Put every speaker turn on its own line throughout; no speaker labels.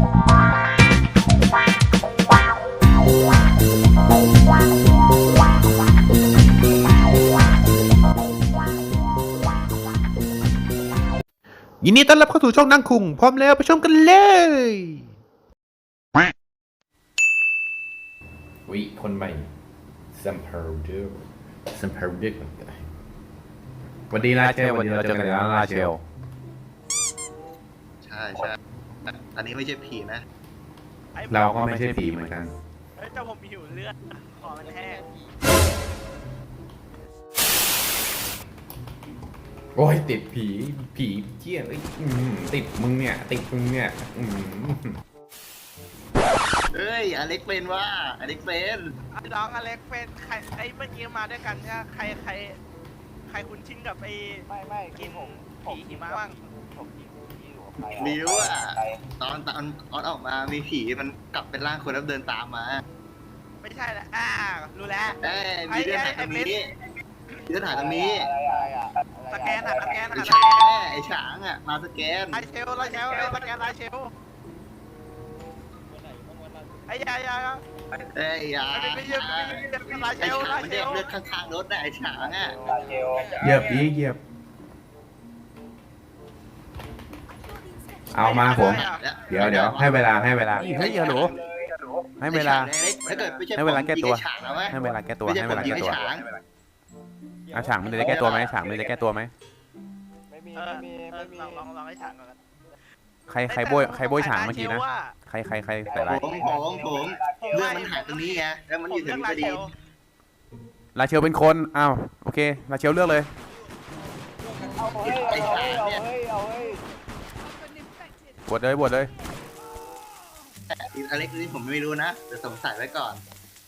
ยินดีต้อนรับเข้าสู่ช่องนั่งคุงพร้อมแล้วไปชมกันเลยวิคนใหม่ซัมเพิลเดอร์ซัมเพิลเดอร์วันดีลาเชลวันนี้เราเจอกันแล้วลาเชล
ใช่อันนี้ไม่ใช่ผีนะ
เราก็ไม่ใช่ผีเหมือนกัน
เจ้าผมหิวเลือดขอมันแห้ง
โอ้ยติดผีเจี้ยติดมึงเนี่ย
เอ้ยอเล็กเป็นว่าอเล็กเป็น
น้องอเล็กเป็นใครไอ้เมื่อกี้มาด้วยกันเนี่ยใครคุ้นชินกับไอ้ไม่กินผีหิมะบ้าง
มิวอ่ะตอนอออกมามีผีมันกลับเป็นร่างคนแล้วเดินตามมา
ไม่ใช่ละรู้แล้ว
มีเดินหายตรงนี้เดินหายตรงนี้
สแกน
ไอ้ฉางอ่ะมาสแกน
ไลเชลสแกนไลเชลไอ้ยา
ไอ้ยา
ไม่ยืมไลเชล
มันเด็กเลือกข้างๆรถนะไอ้ฉางอ่ะ
เหยียบเอามาผมเดี๋ยวให้เวลา
เฮ้ยหนูให้เวลาให้เวลาแก้ตัวให้เวลาแก้ตัวฉางมันจะแก้ตัวไหมฉางมันจะแก้ตัวไหม
ไม่มีลองให้ฉางก่อน
ใครโบยฉางเมื่อกี้นะใครใส่ไร
ผมเรื่องมันหายตรงนี้ไงแล้วมันอยู่ถึงพอดี
ลาเชลเป็นคนอ้าวโอเคลาเชลเลือกเลย
ไอ้ฉางเนี่ย
บวชเลย
อเล็กนี่ผมไม่รู้นะแต่สงสัยไว้ก่อน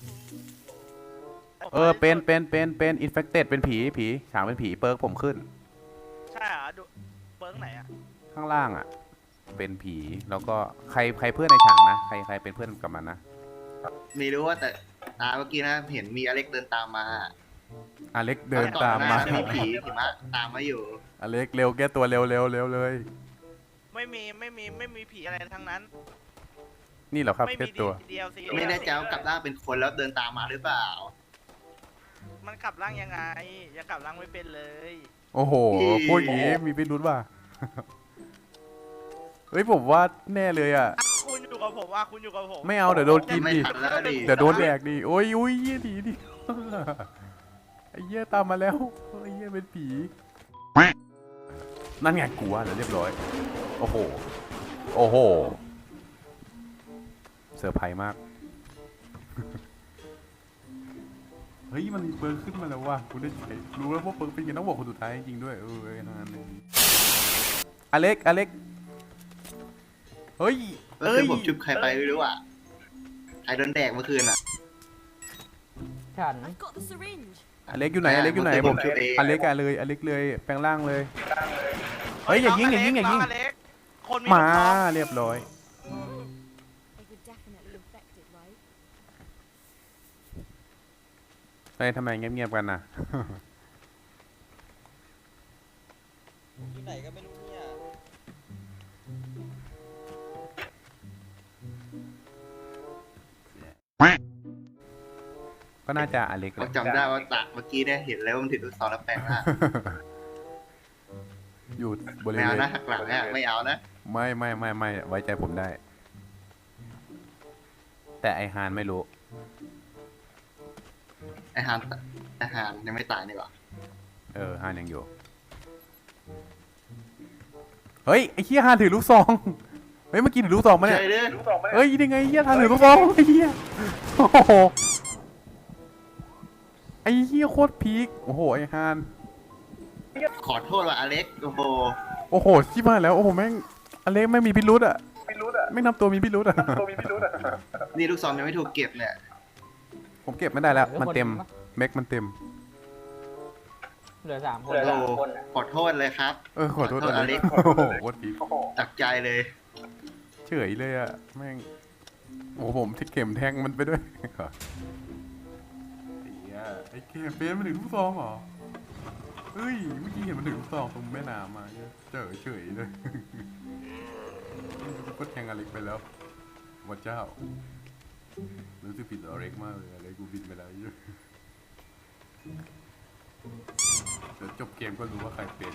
เป็นอินเฟคเต็ดเป็นผีฉางเป็นผีเปิร์กผมขึ้น
ใช่เหรอดูเปิร์กไหนอะ
ข้างล่างอะเป็นผีแล้วก็ใครเพื่อนในฉางนะใครเป็นเพื่อนกับมันนะ
ไม่รู้ว่าแต่เมื่อกี้นะเห็นมีอเล็กเดินตามมา
อเล็กเดินตามมา
มีผีหิมะตามมาอยู่
อเล็กเร็วแก้ตัวเร็วเลย
ไม่มีผีอะไรทั้งนั้น
นี่เหรอครับแก้ตัว
ไม่ได้จะกลับร่างเป็นคนแล้วเดินตามมาหรือเปล่า
มันกลับร่างยังไงยังกลับร่างไม่เป็นเลย
โอ้โหพูดอย่างนี้มีพิรุธว่ะเฮ้ยผมว่าแน่เลยอ่ะ
คุณอยู่กับผม
ไม่เอาเดี๋ยวโดนกินดิเดี๋ยวโดนแดกดิโอ้ยเยี่ยดีดิไอ้เยี่ยตามมาแล้วไอ้เยี่ยเป็นผีนั่นไงกลัวแล้วเรียบร้อยโอ้โหเซอร์ไพรส์มากเฮ้ยมันเบิร์ขึ้นมาแล้วว่ะคุณได้ใจรู้แล้วว่าเบิร์เป็นยังต้องบอกคนสุดท้ายจริงด้วยทั้งนั้นเลยอเล็กเฮ้ย
ผมจุบใครไปไม่รู้อ่ะใครโดนแดกเมื่อคืนอ่ะ
ฉัน
อเล็กอยู่ไหนผมอเล็กเลยแปลงร่างเลยเฮ้ยอย่ายิงมาเรียบร้อยทำไมเงียบๆกันนะ
ที่ไหนก็ไม่รู้เนี่ย
ก็น่าจะอเล็ก
จำได้ว่าตะเมื่อกี้เนี่ยเห็นแล้วมันถือลูกศรแล้วแปลงร่าง
อยู่บริเวณ
ไม่เอานะหักหลังเนี่ยไม่เอานะ
ไม่ไว้ใจผมได้แต่ไอฮานไม่รู้
ไอฮานยังไม่ตายนี่หรอ
ฮานยังอยู่เฮ้ยไอเฮียฮานถือลูกซองเฮ้ยเมื่อกี้ถือลูกซองมาเนี่ยเฮ้ยยังไงเฮียฮานถือลูกซองไอเฮียโอ้โหไอเฮียโคตรพีคโอ้โหไอฮาน
ขอโทษว่ะอเล็ก
โอ้โหชิบหายแล้วโอ้โหแม่งอเล็กไม่มีพิรุธอ่ะไม่ทำตัวมีพิรุธอ่ะ
นี่ลูกซองยังไม่ถูกเก็บเนี่ย
ผมเก็บไม่ได้แล้วมันเต็มเม็กมันเต็ม
เหลือ3 คน
ขอโทษเลยครับ
ขอโทษอเล็กโอ้โหโคตรพีค
ตักใจเลย
เฉยเลยอ่ะแม่งโอ้ผมที่เข็มแทงมันไปด้วยไอ้เกมเป็นมันถึงลูกซองเหรอเฮ้ยเมื่อกี้เห็นมันถึงลูกซองตรงแม่น้ำมาเฉยเลยก็แทงอเล็กไปแล้ววัดเจ้ารู้สึกผิดต่อเล็กมากเลยอะไรกูบินไปแล้วเยอะเดี๋ยวจบเกมก็รู้ว่าใครเป็น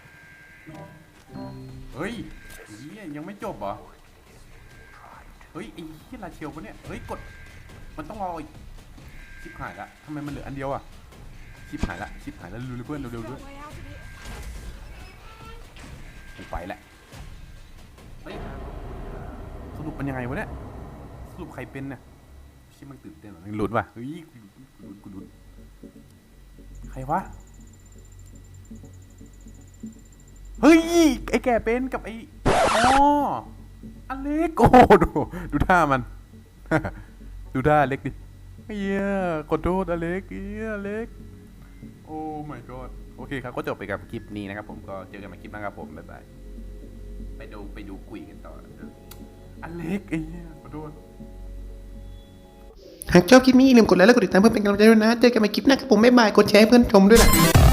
เฮ้ยเหี้ยยังไม่จบเหรอเฮ้ยไอ้เหี้ยลาเชลปะเนี่ยเฮ้ยกดมันต้องรออีกชิบหายละทำไมมันเหลืออันเดียวอะชิบหายละเร็วๆเพื่อนเร็วๆด้วยกูไปแหละเฮ้ยสรุปมันยังไงวะเนี่ยสรุปใครเป็นเนี่ยชิบมันตื่นเต้นเหรอหลุดว่ะเฮ้ยกูหลุดใครวะเฮ้ยไอ้แก่เป็นกับไอ้อ๋ออเล็กโอ้ดูท่ามัน ดูท่าอเล็กดิเฮียขอโทษอเล็กเฮียอเล็กโอ้ my god โอเคครับก็จบไปกับคลิปนี้นะครับผมก็เจอกันใหม่คลิปหน้าครับผมบ๊ายบายไปดูคุยกันต่ออเล็กเฮียขอโทษ
หากชอบคลิปนี้อย่าลืมกดไลค์และกดติดตามเพื่อเป็นกำลังใจด้วยนะ เจอกันใหม่คลิปหน้าครับผมบ๊ายบาย กดแชร์ให้เพื่อนชมด้วยนะ